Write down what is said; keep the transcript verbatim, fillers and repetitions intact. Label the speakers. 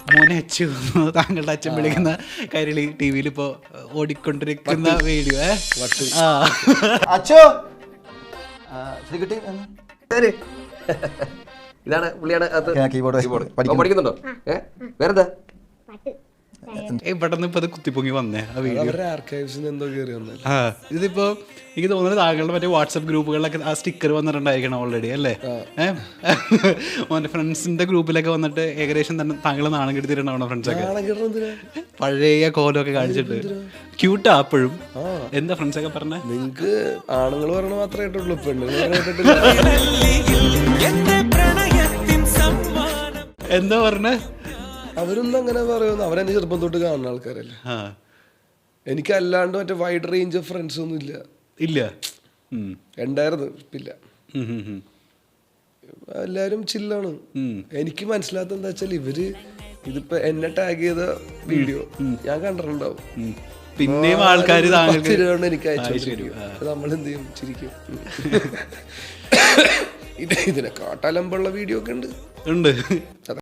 Speaker 1: മോനെ അച്ചു താങ്കളുടെ അച്ഛൻ വിളിക്കുന്ന കൈരളി ടി വിയിൽ ഇപ്പോ ഓടിക്കൊണ്ടിരിക്കുന്ന വീഡിയോ.
Speaker 2: അച്ചോ
Speaker 3: ഇതാണ് പുള്ളിയാണ്
Speaker 2: കീബോർഡ്
Speaker 3: പഠിക്കുന്നുണ്ടോ? ഏഹ് വേറെന്താ?
Speaker 1: പെട്ടെന്ന് ഇപ്പൊ അത് കുത്തിപ്പൊങ്ങി വന്നേ ആ വീഡിയോ. ആ ഇതിപ്പോ എനിക്ക് തോന്നുന്നത് താങ്കളുടെ മറ്റേ വാട്സപ്പ് ഗ്രൂപ്പുകളിലൊക്കെ ആ സ്റ്റിക്കർ വന്നിട്ടുണ്ടായിരിക്കണം ഓൾറെഡി അല്ലേ? ഏഹ് മോന്റെ ഫ്രണ്ട്സിന്റെ ഗ്രൂപ്പിലൊക്കെ വന്നിട്ട് ഏകദേശം തന്നെ താങ്കൾ നാണം കെടുത്തിട്ടുണ്ടാവണം ഫ്രണ്ട്സൊക്കെ, പഴയ കോലമൊക്കെ കാണിച്ചിട്ട്. ക്യൂട്ടാ അപ്പോഴും. എന്താ ഫ്രണ്ട്സൊക്കെ പറഞ്ഞേ?
Speaker 4: നിങ്ങക്ക് ആണുങ്ങൾ പറയണ മാത്രമേ കേട്ടുള്ളൂ, പെണ്ണുങ്ങൾ
Speaker 1: എന്താ പറഞ്ഞേ?
Speaker 4: അവരൊന്നും അങ്ങനെ പറയുന്നു, അവരെന്നെ ചെറുപ്പം തൊട്ട് കാണുന്ന ആൾക്കാരല്ലേ. എനിക്ക് അല്ലാണ്ട് മറ്റേ വൈഡ് റേഞ്ച് ഓഫ് ഫ്രണ്ട്സ് ഒന്നും ഇല്ല.
Speaker 1: ഇല്ല
Speaker 4: ഉണ്ടായിരുന്നു, ഇല്ല. എല്ലാരും ചില്ലാണ്. എനിക്ക് മനസ്സിലാത്ത എന്താ വെച്ചാൽ ഇവര് ഇതിപ്പോ എന്നെ ടാഗ് ചെയ്ത വീഡിയോ ഞാൻ കണ്ടിട്ടുണ്ടാവും,
Speaker 1: പിന്നെയും ആൾക്കാർ
Speaker 4: എനിക്ക് അയച്ചു. നമ്മൾ എന്ത് ചെയ്യും? ചിരിക്കും. ഇത് ഇതിനെ കാട്ടാലമ്പുള്ള വീഡിയോ ഒക്കെ ഉണ്ട്
Speaker 1: ഉണ്ട്